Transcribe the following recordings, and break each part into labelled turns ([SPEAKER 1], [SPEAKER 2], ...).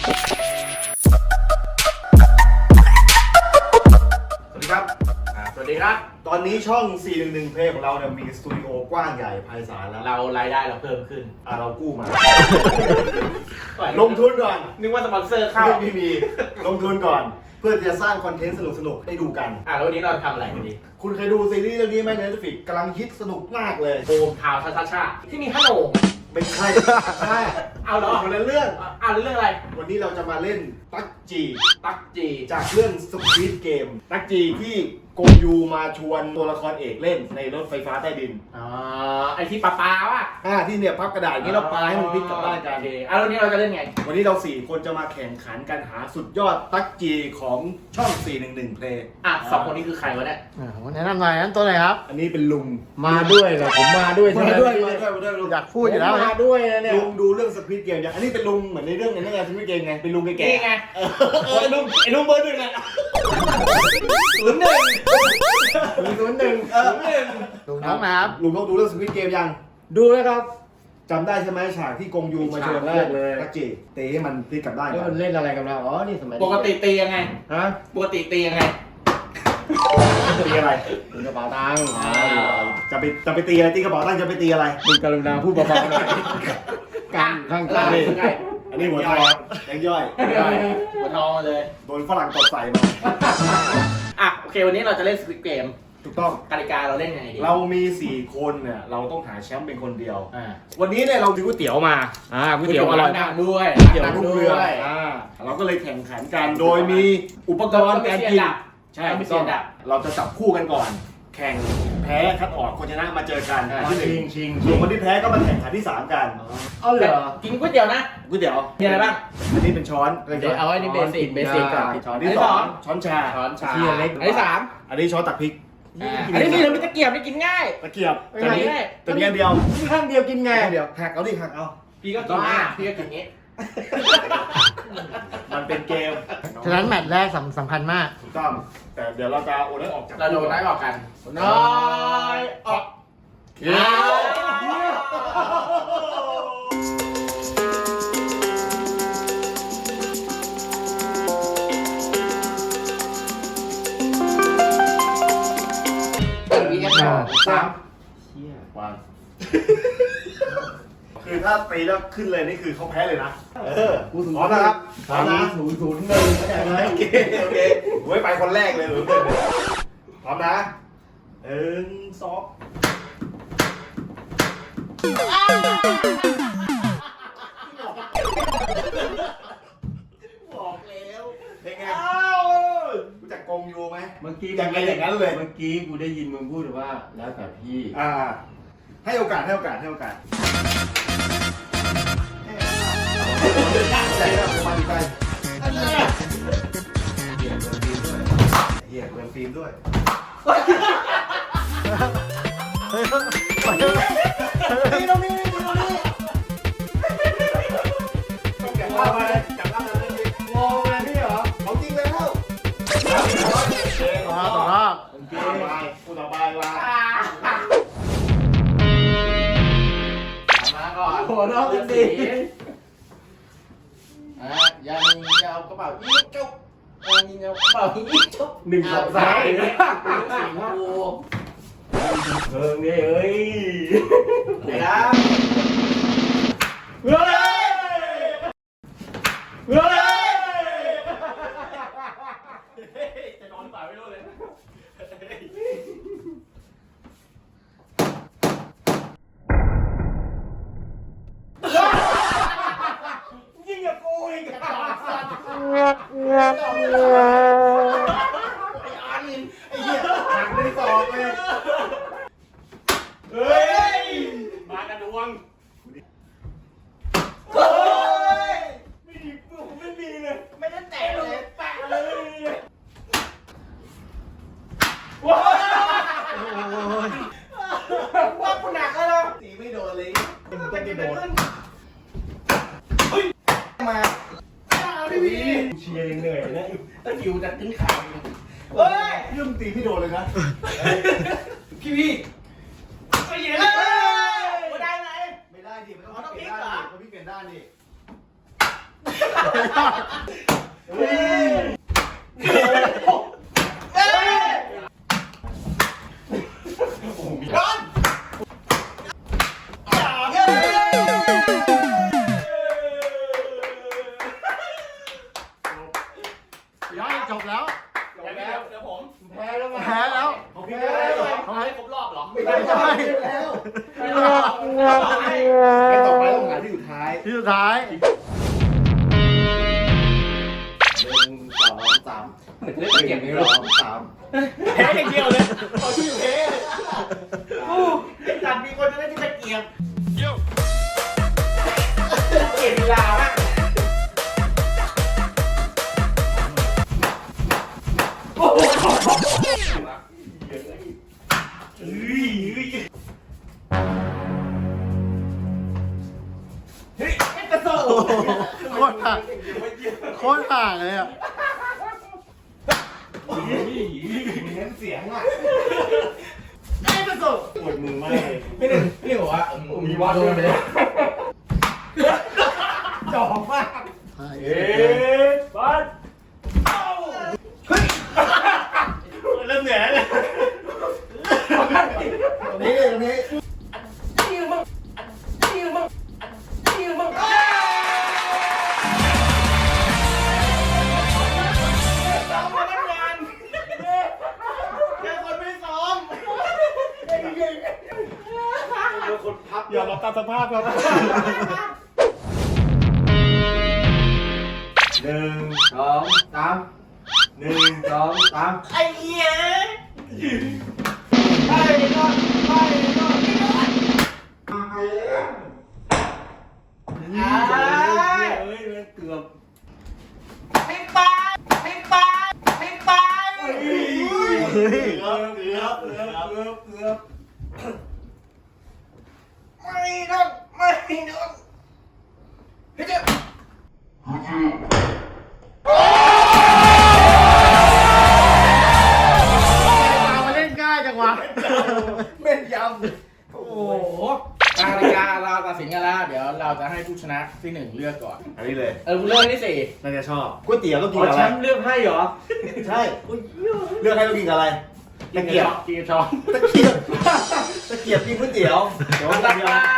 [SPEAKER 1] สวัสดีครับ
[SPEAKER 2] สวัสดีครับ
[SPEAKER 1] ตอนนี้ช่อง 411 เพลงของเราเนี่ยมีสตูดิโอกว้างใหญ่ไพศาลแล้ว
[SPEAKER 2] เรารายได้เราเพิ่มขึ้น
[SPEAKER 1] เรากู้มา ลงทุนก่อน
[SPEAKER 2] นึกว่าสปอนเซอร์เข้า
[SPEAKER 1] ไม่มีลงทุนก่อน เพื่อจะสร้างคอนเทนต์สนุกๆให้ดูกัน
[SPEAKER 2] แล้ววันนี้เราทำอะไรกันดี
[SPEAKER 1] คุณเคยดูซีรีส์เรื่องนี้ไหมใน Netflix กำลังฮิตสนุกมากเลย
[SPEAKER 2] โอมทาวชาชาที่มีขนม
[SPEAKER 1] ไม่ใช่ใช่
[SPEAKER 2] เอาเหรอ
[SPEAKER 1] คนละเรื่อง
[SPEAKER 2] เรื่องอะไร
[SPEAKER 1] วันนี้เราจะมาเล่นตั๊กจี
[SPEAKER 2] ตักจี
[SPEAKER 1] จากเรื่อง Squid Game ตั๊กจีที่กงยูมาชวนตัวละครเอกเล่นในรถไฟฟ้าใต้ดิน
[SPEAKER 2] ไอที่ปลาว่ะ
[SPEAKER 1] ที่เนี่ยพับกระดาษอย่างนี้เราปาให้มันพลิกกลับบ้านกัน
[SPEAKER 2] แล้ววันนี้เราจะเล่นไง
[SPEAKER 1] วันนี้เรา4คนจะมาแข่งขันการหาสุดยอดตั๊กจีของช่อง 411 เพลง
[SPEAKER 2] สองคนนี้คือใครวะเนี่ย
[SPEAKER 3] แนะนำหน่อยนั้นตัวไหนครับ
[SPEAKER 1] อันนี้เป็นลุง
[SPEAKER 3] มาด้วยเหรอผมมาด้วยใช่ไหม
[SPEAKER 1] ลุง
[SPEAKER 3] อยากพูดอยู่แล้ว
[SPEAKER 1] มาด้วยนะเนี่ยลุงดูเรื่อง Squid Game อย่างอันนี้เป็นลุงเหมือนในเรื่องในนั้นไง Squid Game ไงเป็นลุงแก่
[SPEAKER 2] นี่ไง
[SPEAKER 1] ไอ้ลุงเบอร์หนึ่งไง
[SPEAKER 3] ลุงน้องนะครับ
[SPEAKER 1] ลุงเขาดูเรื่อง Squid Game ยัง
[SPEAKER 3] ดูเลยครับ
[SPEAKER 1] จำได้ใช่ไหมฉากที่กงยูมาชวน
[SPEAKER 3] ฉากแรกเลย
[SPEAKER 1] ตั๊กจีเตะให้มันพลิกกลับบ้าน
[SPEAKER 3] แล้วมันเล่นอะไรกันเราอ๋อนี่สมัย
[SPEAKER 2] ปกติตียังไง
[SPEAKER 3] ฮะ
[SPEAKER 2] ปกติตียังไง
[SPEAKER 1] ตีอะไร
[SPEAKER 3] ลุงกระเป๋าตังค์
[SPEAKER 1] จะไปตีอะไรตีกระเป๋าตังค์จะไปตีอะไร
[SPEAKER 3] ลุงกรุณาพูดเบาๆหน่อยกันข้าง
[SPEAKER 2] ล่า
[SPEAKER 3] ใต้
[SPEAKER 2] สุดไง
[SPEAKER 1] อันนี้หัวทองยังย่อย
[SPEAKER 2] หัวทองมาเลย
[SPEAKER 1] โดนฝรั่งตบใส่มา
[SPEAKER 2] โอเควันนี้เราจะเล่นสควิดเกม
[SPEAKER 1] ถูกต้อง
[SPEAKER 2] กติกาเราเล่นยังไงดี
[SPEAKER 1] เรามี 4 คนเนี่ยเราต้องหาแชมป์เป็นคนเดียว
[SPEAKER 2] อ่า
[SPEAKER 1] วันนี้เนี่ยเราซื้อก๋วยเตี๋ยวมาก๋วยเตี๋ยวอร่อย
[SPEAKER 2] ดังด้วย
[SPEAKER 1] เตี๋ยวลูกเรือเราก็เลยแข่งขันกันโดยมีอุปกรณ์การกินใช่
[SPEAKER 2] ไม่
[SPEAKER 1] ต้
[SPEAKER 2] เสี
[SPEAKER 1] อย ง
[SPEAKER 2] ดับ
[SPEAKER 1] เราจะจับคู่กันก่อน แข่งแพ้คัดออกคนชนะมาเจอกันที่หนึ่ง
[SPEAKER 3] ชิง
[SPEAKER 1] ส่วนคนที่แพ้ก็มาแข่งขันที่ 3 กัน
[SPEAKER 3] เอาเหรอ
[SPEAKER 2] กินก๋วยเตี๋ยวนะ
[SPEAKER 1] ก๋วยเตี๋ยว
[SPEAKER 2] มีอะไรบ้าง
[SPEAKER 1] อันนี้เป็นช้อน
[SPEAKER 2] เอาไอ้นี่เบสิกก่อน
[SPEAKER 1] ช้อนที่สองช้อนชา
[SPEAKER 2] ช้อนชา
[SPEAKER 3] เชียร์เล็ก
[SPEAKER 2] อันที่สาม
[SPEAKER 1] อันนี้ช้อนตักพริก
[SPEAKER 2] อันที่สี่เรามีตะเกียบไม่กินง่าย
[SPEAKER 1] ตะเกียบ
[SPEAKER 2] ไม่
[SPEAKER 1] ตัวนี้
[SPEAKER 2] ได้
[SPEAKER 1] ตัวนี้อันเดียว
[SPEAKER 3] นี่ข้างเดียวกินไง
[SPEAKER 1] อันเดียวหักเอาดิหักเอา
[SPEAKER 2] พี่ก็กินง่ายพี่ก็กินงี้
[SPEAKER 1] มันเป็นเกม
[SPEAKER 3] ฉะนั้นแมตช์แรกสำคัญมาก
[SPEAKER 1] ถูกต้องแต่เดี๋ยวเราจะโอนให้ออกจาก
[SPEAKER 2] เราโดนได้ออกกันน้อยออก
[SPEAKER 1] เย้
[SPEAKER 2] วีเอสสาม
[SPEAKER 3] เชี่ยว
[SPEAKER 1] างคือถ้าตีแล้วขึ้นเลยนี่คือเขาแพ้เลยนะพร้อมนะครับพร้อมนะ
[SPEAKER 3] 0-1เข้าใจไหม
[SPEAKER 1] โอเคโอ้ยไปคนแรกเลยหรือพร้อมนะ1 2บอกแล้วเป็นไงรู้จักกงยูไหม
[SPEAKER 3] เมื่อกี้
[SPEAKER 1] อย่างนั้นเลย
[SPEAKER 3] เมื่อกี้กูได้ยินมึงพูดว่าแล้วแต่พี่
[SPEAKER 1] ให้โอกาสใจแล้วมาดีใจเหี้ยเปิดฟิล์มด้วยนี่ตรงนี้ต้องแกะล่ามาเลยจับล่ามาเลย
[SPEAKER 3] งงเลยพี่เหรอ
[SPEAKER 1] เอาจริงแล้ว
[SPEAKER 3] ต่อรอบ
[SPEAKER 1] พูดต่อไปว่า
[SPEAKER 2] มาก่อน
[SPEAKER 3] หัวเราะกันดี
[SPEAKER 2] ยังเอากระเป๋าอีกจุ๊บยังเอากระเป๋าอีกจุ๊บ
[SPEAKER 3] 1 2 3 เออเนี่ยเอ้ย
[SPEAKER 2] เดี๋ยวนะ
[SPEAKER 3] เฮ้ยเฮ้ย
[SPEAKER 1] จะนอนหรือเปล่าไม่รู้เลยยิ่งกับกูอีกไอ้อันไอ้เหี้ยหักไม่ได้ตอบเลยเฮ้ยมากระดวงเฮ้ยไม่ดีผมไม่ดีเลย
[SPEAKER 2] ไม่ได้แตะเลยแปะเลย
[SPEAKER 1] ว้าว
[SPEAKER 2] ว่ากูหนักแล้วนะ
[SPEAKER 1] ตีไม่โดนเลย
[SPEAKER 2] มันเป็นกี่โดน
[SPEAKER 1] มา
[SPEAKER 2] พี่พี
[SPEAKER 1] เชียร์ยังเหนื่อยนะ
[SPEAKER 2] ตะคิวจะขึ้นขาเฮ้ย
[SPEAKER 1] เรื่องตีไม่โดนเลยนะ
[SPEAKER 2] พี่พีไปเหยียบได้ไหม
[SPEAKER 1] ไม่ได้ดิมันต้องเปลี่ยนด้านดิมันพี่เปลี่ยนด้านดิ
[SPEAKER 3] ย่อยจบแล้ว
[SPEAKER 2] เดี๋ยวผม
[SPEAKER 1] แพ้แล้ว
[SPEAKER 3] แพ้แล้ว
[SPEAKER 1] เขาพี่แพ้แล้ว
[SPEAKER 2] เขาให้ครบรอบเหรอ
[SPEAKER 1] ไม่ได้แล้วไอ้ต่อไปต้องหาที่อยู่ท้าย
[SPEAKER 3] ที่สุดท้าย
[SPEAKER 1] 1 2 3
[SPEAKER 2] เหมือนเล่นเกมนี้หรอ
[SPEAKER 1] 2 3
[SPEAKER 2] แพ้อย่างเดียวเลยเอาชื่อแพ้ไอ้จัดมีคนจะได้ที่ตะเกียบเกียบเวลามากเฮ้ยไอ้กระโซ่
[SPEAKER 3] โคตรห่างโคตรห่างเลยอ่ะ
[SPEAKER 1] เน้นเสียงอ่ะ
[SPEAKER 2] ไอ้กระโซ่
[SPEAKER 1] ปวดมือมาก
[SPEAKER 2] ไม่บอกว่ามีวัดด้วยไหมจอบมาก
[SPEAKER 1] บัสเฮ้ยเริ่มเหนื่อยแล้วเนี่ยตรงนี้
[SPEAKER 2] นี่มึงนี่มึงนี่มึงซ้อมมาตั้งนานแค่คนไม่ซ้อม
[SPEAKER 1] คนพับ
[SPEAKER 3] อย่ามาตามสภาพครับ
[SPEAKER 1] 1
[SPEAKER 2] 2 3
[SPEAKER 1] 1 2 3
[SPEAKER 2] ไอ้เหี้ยไปนอนไปนอน
[SPEAKER 1] เกือบ
[SPEAKER 2] ให้ไปให้ไปให้ไป
[SPEAKER 1] เกือบ
[SPEAKER 2] ไม่นอนไม่นอนเฮ้ยเจ้า
[SPEAKER 3] มาเล่นง่ายจังวะ
[SPEAKER 1] แม่นย
[SPEAKER 2] โอ้โหกติกาเราตัดสินกันแล้ว เดี๋ยวเราจะให้ผู้ชนะที่1เลือกก่อน
[SPEAKER 1] ำอันนี้เลย
[SPEAKER 2] ผู้เลือกที่
[SPEAKER 1] น่าจะชอบก๋วยเตี๋ยวต้องกิน
[SPEAKER 2] 4
[SPEAKER 1] กับ
[SPEAKER 2] แช
[SPEAKER 1] อะไร
[SPEAKER 2] มป์เลือกให้เหรอ
[SPEAKER 1] ใช่เลือกให้ต้องกินกับอะไรตะเกียบ
[SPEAKER 2] กินช้อน
[SPEAKER 1] ตะเกียบกินก๋วยเตี๋ยวเดี๋ยว
[SPEAKER 2] ต่อ
[SPEAKER 1] เดี๋
[SPEAKER 2] ไป
[SPEAKER 1] ยว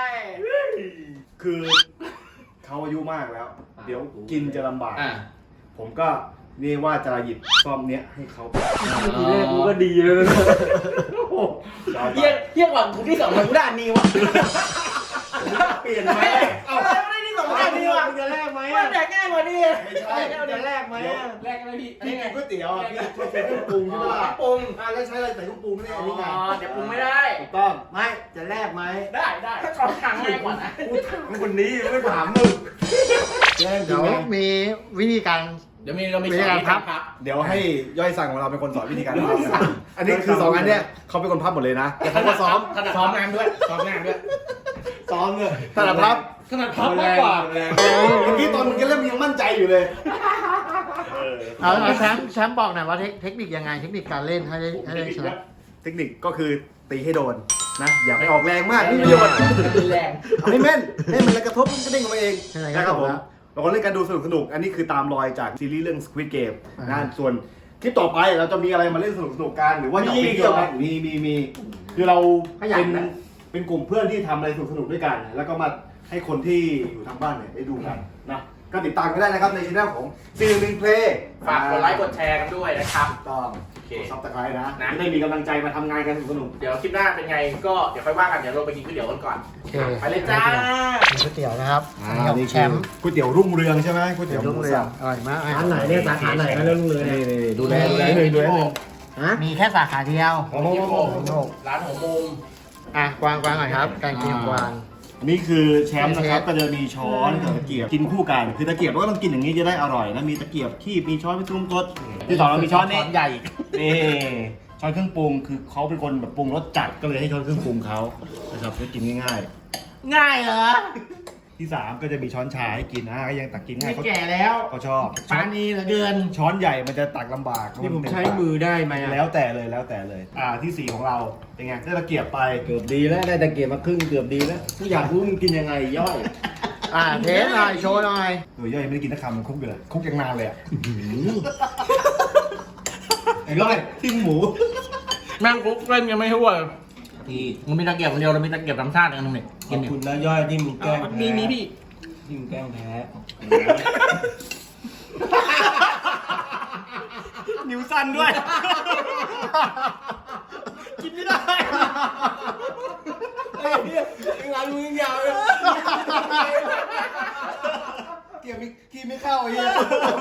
[SPEAKER 1] คือเขาอายุมากแล้ว เดี๋ยวกินจะลำบาก ผมก็นี่ว่าจะหยิบซ่อมเนี้ยให้เขา
[SPEAKER 3] ทีแรกกูก็ดีเลยนะ
[SPEAKER 2] เยี่ยกว่ากูที่2มันกูได้อันนี้วะ
[SPEAKER 1] เปลี่ยนไหม
[SPEAKER 2] เอาไม่ได้ที่2ได้อันนี้วะ
[SPEAKER 3] จะแลกไหม
[SPEAKER 2] ว่าแต่ง่ายกว่านี้
[SPEAKER 1] ไม่ใช่
[SPEAKER 3] จะแลกไหม
[SPEAKER 2] แรกอะไรพี่
[SPEAKER 1] พี่กินก๋วยเตี๋ยวอ่ะพี่ชอบเป็นเครื่องปรุงใช่ไหมล่ะ
[SPEAKER 2] ปรุง
[SPEAKER 1] แล้วใช้อะไรใส่เครื่องปรุงนี่อันนี้ไง
[SPEAKER 2] เดี๋ยวปรุงไม่ได้
[SPEAKER 1] ถูกต้องไม่จะแลกไหม
[SPEAKER 2] ได้ถ้าช้อนทางง่ายกว่านะ
[SPEAKER 1] กูถามคนนี้ไม่ถามมึงแย่งจริ
[SPEAKER 3] เดี๋
[SPEAKER 1] ง
[SPEAKER 3] ยว
[SPEAKER 1] ไหม
[SPEAKER 3] มีวิธีการ
[SPEAKER 2] เดี๋ยวเรามี
[SPEAKER 3] วิธีการพับ
[SPEAKER 1] เดี๋ยวให้ย่อยสั่งของเราเป็นคนสอนวิธีการพับอันนี้คือ2อันเนี้ยเขาเป็นคนพับหมดเลยนะแต่เขาก็ซ้อม
[SPEAKER 2] ซ้อมงานด้วยซ้อมงานด้วย
[SPEAKER 1] ซ้อมเลยถนัดพับ
[SPEAKER 2] ขนาดพับมากกว่า
[SPEAKER 1] เมื่อกี้ตอนมึงก็เริ่มยังมั่นใจอยู่เลย
[SPEAKER 3] เอาแชมป์บอกหน่อยว่าเทคนิคยังไงเทคนิคการเล่นให้ได้ชนะ
[SPEAKER 1] เทคนิคก็คือตีให้โดนนะอย่าไปออกแรงมากนี่ประโยชน์
[SPEAKER 2] แรง
[SPEAKER 1] เอาให้แม่นให้มันกระทบมันก็เด้งออกมาเอง
[SPEAKER 3] ใช่ไหม
[SPEAKER 1] นะครับผมเราก็เล่นกันดูสนุกอันนี้คือตามรอยจากซีรีส์เรื่อง Squid Game นะส่วนคลิปต่อไปเราจะมีอะไรมาเล่นสนุกกันหรือว่าจะไปเที่ยวกันมีคือเราเป็นกลุ่มเพื่อนที่ทำอะไรสนุกด้วยกัน แล้วก็มาให้คนที่อยู่ทางบ้านเนี่ยได้ดูกันนะก็ติดตามกันได้นะครับในช่องของ411 Play
[SPEAKER 2] ฝากกดไลค์กดแชร์กันด้วยนะครับ
[SPEAKER 1] ต้อง
[SPEAKER 2] โอเค
[SPEAKER 1] ซับสไครต์นะจะได้มีกำลังใจมาทำงานกันสนุก
[SPEAKER 2] เดี๋ยวคลิปหน้าเป็นไงก็เดี๋ยวค่อยว่ากันเดี๋ยวเราไปกินก๋วยเตี๋ยวกันก่อน
[SPEAKER 3] โอเค
[SPEAKER 2] ไปเลยจ้า
[SPEAKER 3] ก๋วยเตี๋ยวนะครับ
[SPEAKER 1] ๆ
[SPEAKER 3] นี่ของแชมป์
[SPEAKER 1] ก๋วยเตี๋ยวรุ่งเรืองใช่ไหมก๋วยเตี๋ยว
[SPEAKER 3] รุ่งเรืองอร่อยมาก
[SPEAKER 4] ร้านไหนเนี่ยสาขาไหนก็เรื่องเลย
[SPEAKER 1] นี่ดูแล
[SPEAKER 4] ฮะ
[SPEAKER 3] มีแค่สาขาเดียว
[SPEAKER 1] โอ้โห
[SPEAKER 2] ร้านหัวมุม
[SPEAKER 3] กวางหน่อยครับการกินของกวาง
[SPEAKER 1] นี่คือแชมป์นะครับก็จะมีช้อนกับตะเกียบกินคู่กันคือตะเกียบเราก็ต้องกินอย่างนี้จะได้อร่อยนะมีตะเกียบคีบมีช้อนมีซุ้มกดที่สองเรามีช้อนนี่
[SPEAKER 2] ใหญ่
[SPEAKER 1] นี่ช้อนเครื่องปรุงคือเขาเป็นคนแบบปรุงรสจัดก็เลยให้ช้อนเครื่องปรุงเขานะครับจะกินง่าย
[SPEAKER 2] ง่ายเหรอ
[SPEAKER 1] ๆที่สามก็จะมีช้อนชาให้กินนะก็ยังตักกินง่า
[SPEAKER 4] ไม่
[SPEAKER 1] ยเขา
[SPEAKER 4] แก่แล้ว
[SPEAKER 1] เขาชอบ
[SPEAKER 4] ปานีเหลือเกิน
[SPEAKER 1] ช้อนใหญ่มันจะตักลำบาก
[SPEAKER 4] นี่ผมใช้มือได้ไหมอะ
[SPEAKER 1] แล้วแต่เลยที่สี่ของเราเป็นไงได้ตะเกียบไป
[SPEAKER 4] เกือบดีแล้วได้ตะเกียบมาครึ่งเกือบดีแล้วกูอยากรู้มึงกินยังไงย่อย
[SPEAKER 3] เทสหน่อยโชว์หน่อย
[SPEAKER 1] ตัวย่อยไม่ได้กินนักคำมันคุกอยู่เลยคุกยังนานเลยอ่ะ
[SPEAKER 4] ไอ้ก้อยทิ้งหมู
[SPEAKER 2] แม่งกุ๊กเล่นยังไม่ทั่ว
[SPEAKER 4] พี่
[SPEAKER 2] มันมีตะเกียบคนเดียวเรามีตะเกียบธรรมชาติอันนึงนี่
[SPEAKER 4] ขอบคุณนะย่อยที่มึงแกล้งแพ้
[SPEAKER 2] มีพี่
[SPEAKER 4] ที่มึงแกล้งแพ้
[SPEAKER 2] นิ้วสั้นด้วย กินไม่ได้
[SPEAKER 4] งานมึงยาวเลย
[SPEAKER 1] เกี่ยวกินไม่เข้าไอ้เหี้ย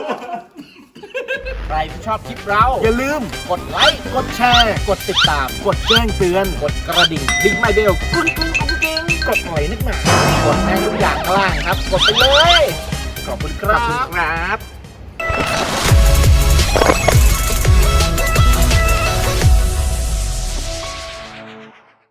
[SPEAKER 2] ใครที่ชอบคลิปเรา อย่าลืมกดไลค์ กดแชร์ กดติดตาม กดแจ้งเตือน กดกระดิ่งดิ้งไมเบลกุ้งกุ้งกุ้งกิ้งกดหน่อยนึกหนากดแม่งทุกอย่างข้างล่างครับ กดไปเลย ขอบคุณครับ